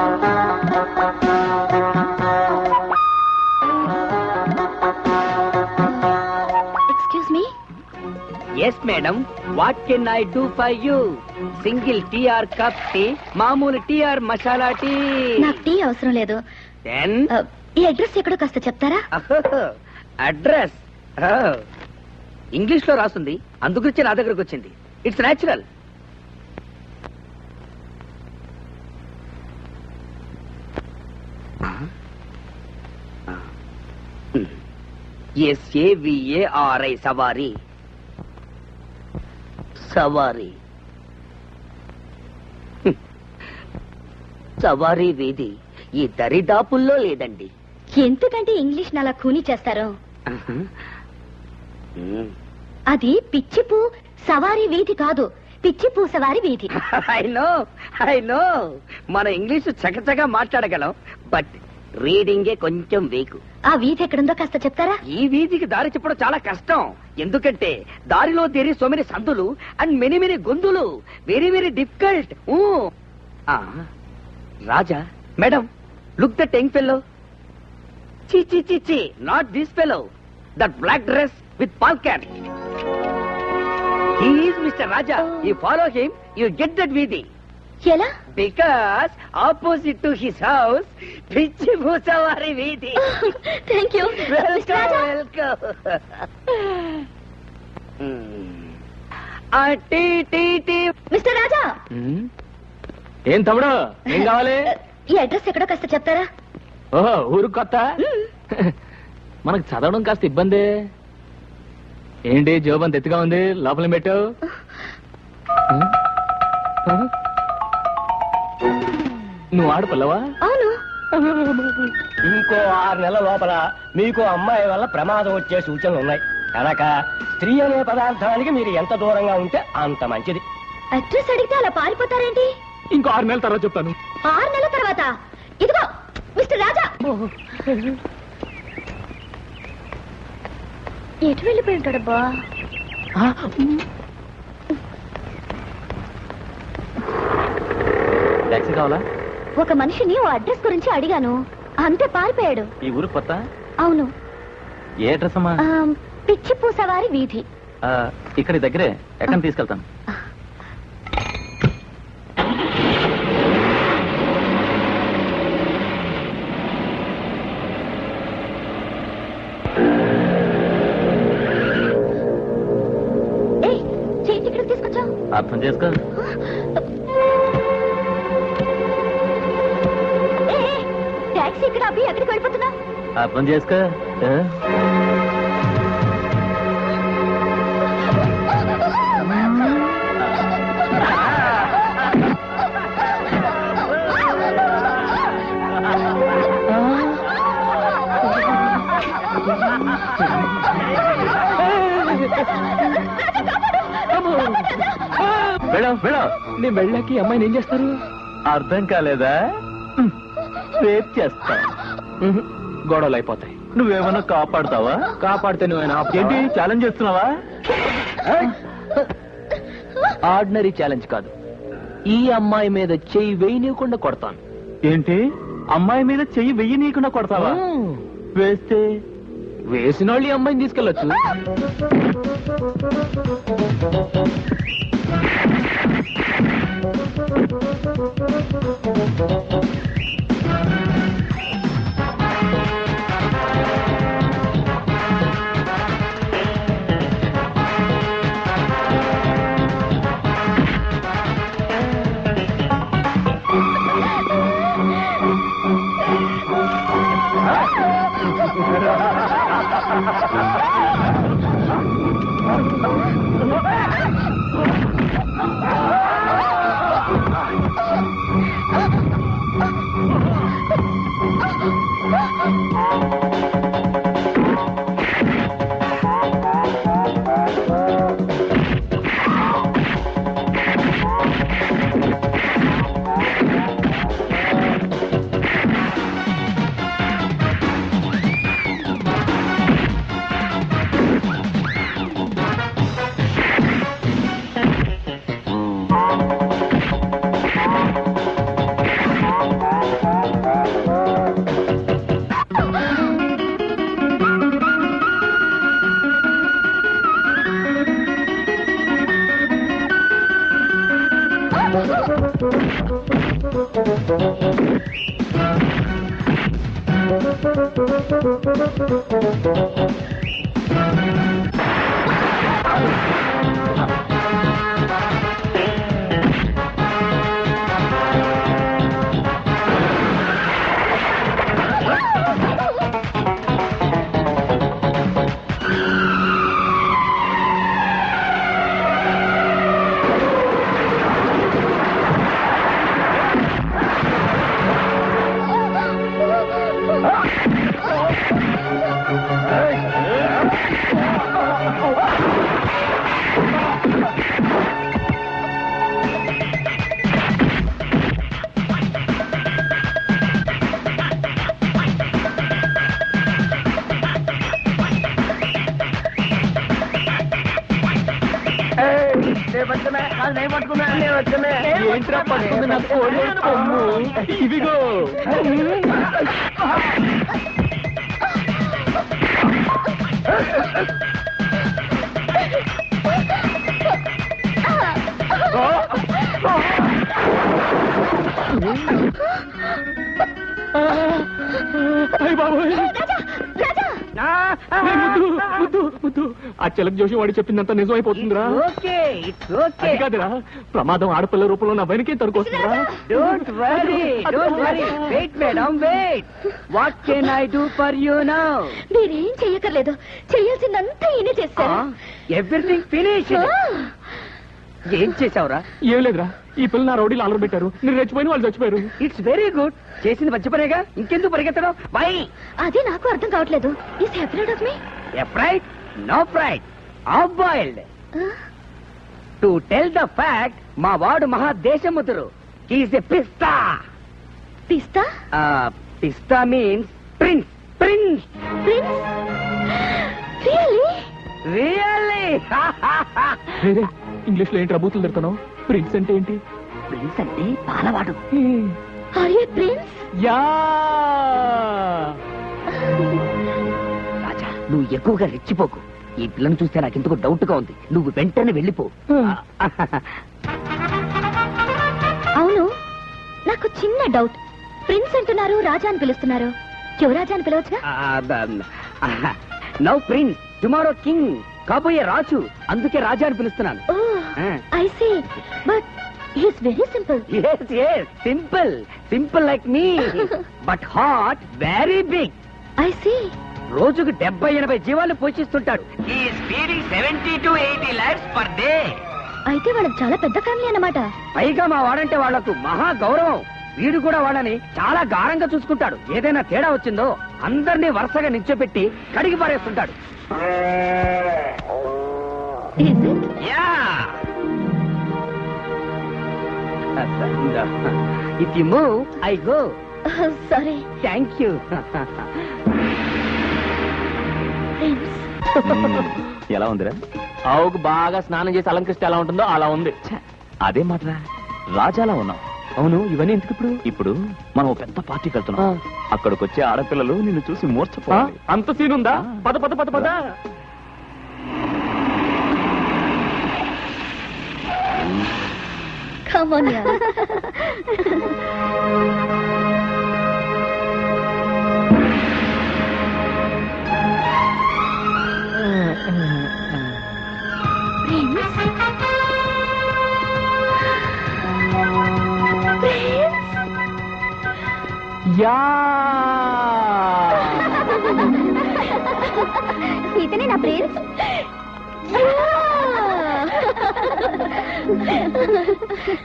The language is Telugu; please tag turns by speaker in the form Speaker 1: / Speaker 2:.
Speaker 1: Excuse me.
Speaker 2: Yes madam, what can I do for you? Single tea or cup tea, మామూలు టీ ఆర్ మసాలా టీ?
Speaker 1: నాకు టీ అవసరం లేదు.
Speaker 2: దెన్
Speaker 1: ఈ అడ్రస్ ఎక్కడో కాస్త చెప్తారా?
Speaker 2: అడ్రస్ ఇంగ్లీష్ లో రాస్తుంది, అందుగురించి నా దగ్గరకు వచ్చింది. It's natural. SAVARI సవారీ. సవారీ సవారీ వీధి ఈ దరిదాపుల్లో లేదండి.
Speaker 1: ఎందుకంటే ఇంగ్లీష్ అలా ఖూనీ చేస్తారు? అది పిచ్చిపూ సవారీ వీధి కాదు, పిచ్చిపూ సవారీ వీధి.
Speaker 2: ఐ నో మన ఇంగ్లీషు చకచగా మాట్లాడగలం, బట్ రీడింగే కొంచెం వీకు.
Speaker 1: ఆ వీధి ఎక్కడుందో కాస్త చెప్తారా?
Speaker 2: ఈ వీధికి దారి చెప్పడం చాలా కష్టం, ఎందుకంటే దారిలో దేరి సో మెనీ సందులు అండ్ మెనీ మెనీ గొంతులు. Very very difficult. Raja madam, look that young fellow. చి చి చి చి, not this fellow. That black dress with pal cap. He is Mr. Raja. You follow him, you get that వీధి.
Speaker 1: ఎలా?
Speaker 2: Because opposite to his house, పిచ్చి భూసవారి వీధి.
Speaker 1: Thank you.
Speaker 2: Welcome. Tea tea tea.
Speaker 1: Mister Raja.
Speaker 3: ఏం తమ్ముడు, ఏం కావాలి?
Speaker 1: ఈ అడ్రస్ ఎక్కడో కాస్త చెప్తారా?
Speaker 3: ఓహో, ఊరు కొత్త. మనకు చదవడం కాస్త ఇబ్బంది. ఏంటి జోబంత ఎత్తుగా ఉంది, లోపల పెట్టావు? నువ్వు ఆడపిల్లవా?
Speaker 1: అవును.
Speaker 4: ఇంకో 6 నెలల లోపల మీకు అమ్మాయి వల్ల ప్రమాదం వచ్చే సూచనలు ఉన్నాయి కనుక స్త్రీ అనే పదార్థానికి మీరు ఎంత దూరంగా ఉంటే అంత మంచిది.
Speaker 1: అడ్రస్ అడిగితే అలా పారిపోతారేంటి?
Speaker 3: ఇంకో 6 నెలల తర్వాత చెప్తాను.
Speaker 1: 6 నెలల తర్వాత? ఇదిగో మిస్టర్ రాజా. ఎటు వెళ్ళిపోయి ఉంటాడబ్బా?
Speaker 3: టాక్సీ కావాలా?
Speaker 1: ఒక మనిషిని ఓ అడ్రస్ గురించి అడిగాను, అంతే పారిపోయాడు.
Speaker 3: ఈ ఊరు కొత్త?
Speaker 1: అవును.
Speaker 3: ఏ అడ్రస్ అమ్మా?
Speaker 1: పిచ్చిపూ సవారి వీధి.
Speaker 3: ఇక్కడి దగ్గరే, ఎక్కడ తీసుకెళ్తాను. అర్థం చేసుకో.
Speaker 1: టాక్సీ ఇక్కడ అబ్బి ఎక్కడికి వెళ్ళిపోతున్నా?
Speaker 3: అర్థం చేసుకో. నీ వెళ్ళాకి అమ్మాయిని ఏం చేస్తారు? అర్థం కాలేదా? రేప్ చేస్తా. గొడవలు అయిపోతాయి. నువ్వేమన్నా కాపాడుతావా? కాపాడితే నువ్వేనా? ఏంటి ఛాలెంజ్ చేస్తున్నావా? ఆర్డినరీ ఛాలెంజ్ కాదు, ఈ అమ్మాయి మీద చెయ్యి వేయనీయకుండా కొడతాను. ఏంటి, అమ్మాయి మీద చెయ్యి వెయ్యనీయకుండా కొడతావా? వేస్తే వేసిన వాళ్ళు ఈ అమ్మాయిని తీసుకెళ్ళొచ్చు. ఏంట్రా పట్టుకుంది నా కోడి కొమ్ము? ఇదిగో అయ్య బాబోయ్. ముద్దు ఆ చిలక జోషి వాడు చెప్పిందంతా నిజమైపోతుందిరా.
Speaker 2: ఓకే ఇట్స్
Speaker 3: అది
Speaker 2: ఓకే.
Speaker 3: కాదురా, ప్రమాదం ఆడపిల్ల రూపంలో నా వెనకే తరుకొస్తుందిరా.
Speaker 2: Don't worry wait madam wait. What can I do for you now?
Speaker 1: మీరేం చెయ్యక్కర్లేదు, చెయ్యాల్సిందంతా ఈయనే చేస్తారు.
Speaker 2: Everything finish. ఏం చేసావురా?
Speaker 3: ఏం లేదురా, ఈ పిల్ల నా రౌడీలు అలర పెట్టారు, నేను రెచ్చిపోయిన వాళ్ళు చచ్చిపోయారు.
Speaker 2: It's very good. చేసింది మంచి పనేగా, ఇంకెందుకు పరిగెత్తడం? బై
Speaker 1: అది నాకు అర్థం కావట్లేదు. Is afraid of me?
Speaker 2: Fried no fried, half boiled. To tell the fact, మా వాడు మహా దేశముతురు. హీస్ ఎ పిస్తా.
Speaker 1: పిస్తా?
Speaker 2: పిస్తా means prince. Prince
Speaker 1: prince? Really?
Speaker 2: Really.
Speaker 3: వేరే ఇంగ్లీష్ లో ఏంటి రబూతులు తిడతాను? ప్రిన్స్ అంటే ఏంటి?
Speaker 2: ప్రిన్స్ అంటే పాలవాడు.
Speaker 1: Are you prince?
Speaker 3: Yeah.
Speaker 2: Raja, నువ్వు ఎక్కువగా రెచ్చిపోకు. ఈ పిల్లను చూస్తే నాకు ఎందుకు డౌట్ గా ఉంది. నువ్వు వెంటనే వెళ్ళిపో.
Speaker 1: అవును, నాకు చిన్న డౌట్. ప్రిన్స్ అంటున్నారు, రాజా అని పిలుస్తున్నారు. యువరాజా అని పిలవచ్చుగా?
Speaker 2: Now prince, tomorrow king. కాబోయే రాజు, అందుకే రాజా అని పిలుస్తున్నాను.
Speaker 1: Oh I see. But he is very simple.
Speaker 2: Yes, yes, simple. Simple like me. But heart very big.
Speaker 1: I see.
Speaker 2: రోజుకు 70-80 జీవాలు పోషిస్తుంటాడు. He is feeding 70 to 80 lakhs per day.
Speaker 1: అయితే వాళ్ళకి చాలా పెద్ద ఫ్యామిలీ అన్నమాట.
Speaker 2: పైగా మా వాడంటే వాళ్లకు మహా గౌరవం. వీడు కూడా వాళ్ళని చాలా గారంగా చూసుకుంటాడు. ఏదైనా తేడా వచ్చిందో అందరినీ వరుసగా నిల్చోపెట్టి కడిగి పారేస్తుంటాడు.
Speaker 1: Is it?
Speaker 2: Yeah. If you move, I go.
Speaker 1: Sorry.
Speaker 2: Thank you.
Speaker 1: Prince.
Speaker 3: ఎలా ఉందిరా? ఆవుకు బాగా స్నానం చేసి అలంకరిస్తే ఎలా ఉంటుందో అలా ఉంది. అదే మాత్రా, రాజాలా ఉన్నావు. అవును, ఇవన్నీ ఎందుకు ఇప్పుడు? ఇప్పుడు మనం ఓ పెద్ద పార్టీకి వెళ్తున్నాం. అక్కడికి వచ్చే ఆడపిల్లలు నిన్ను చూసి మూర్చపోవాలి. అంత సీన్ ఉందా? పద పద పద పద.
Speaker 1: Come on, yeah.
Speaker 3: యా.
Speaker 1: ఇతనే నా ప్రిన్స్.